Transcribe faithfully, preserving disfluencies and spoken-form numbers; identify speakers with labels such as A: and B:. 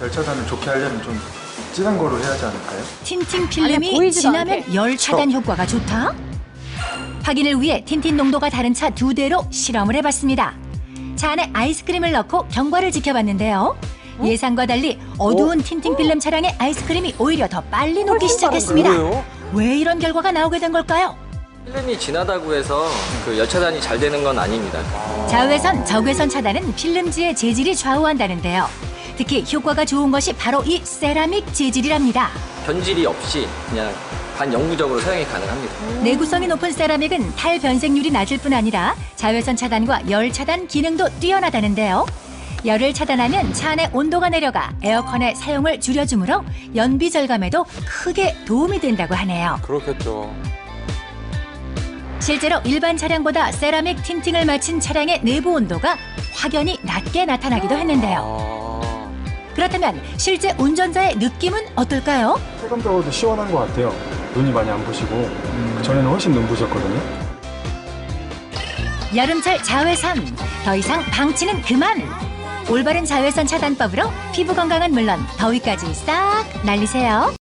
A: 열 차단을 좋게 하려면 좀 진한 거로 해야 하지 않을까요?
B: 틴팅
C: 안에
B: 필름이
C: 보이지도
B: 진하면
C: 않게.
B: 열 차단 효과가 좋다? 확인을 위해 틴틴 농도가 다른 차 두 대로 실험을 해봤습니다. 차 안에 아이스크림을 넣고 경과를 지켜봤는데요.
C: 어?
B: 예상과 달리 어두운 틴팅 필름 차량의 아이스크림이 오히려 더 빨리 녹기 시작했습니다.
D: 그래요?
B: 왜 이런 결과가 나오게 된 걸까요?
E: 필름이 진하다고 해서 그 열 차단이 잘 되는 건 아닙니다.
B: 자외선, 적외선 차단은 필름지의 재질이 좌우한다는데요. 특히 효과가 좋은 것이 바로 이 세라믹 재질이랍니다.
E: 변질이 없이 그냥 반영구적으로 사용이 가능합니다.
B: 내구성이 높은 세라믹은 탈 변색률이 낮을 뿐 아니라 자외선 차단과 열 차단 기능도 뛰어나다는데요. 열을 차단하면 차 안의 온도가 내려가 에어컨의 사용을 줄여주므로 연비 절감에도 크게 도움이 된다고 하네요.
D: 그렇겠죠.
B: 실제로 일반 차량보다 세라믹 틴팅을 마친 차량의 내부 온도가 확연히 낮게 나타나기도 했는데요.
D: 아.
B: 그렇다면 실제 운전자의 느낌은 어떨까요?
A: 체감적으로도 시원한 것 같아요. 눈이 많이 안 부시고 전에는 훨씬 눈 부셨거든요.
B: 여름철 자외선, 더 이상 방치는 그만! 올바른 자외선 차단법으로 피부 건강은 물론 더위까지 싹 날리세요.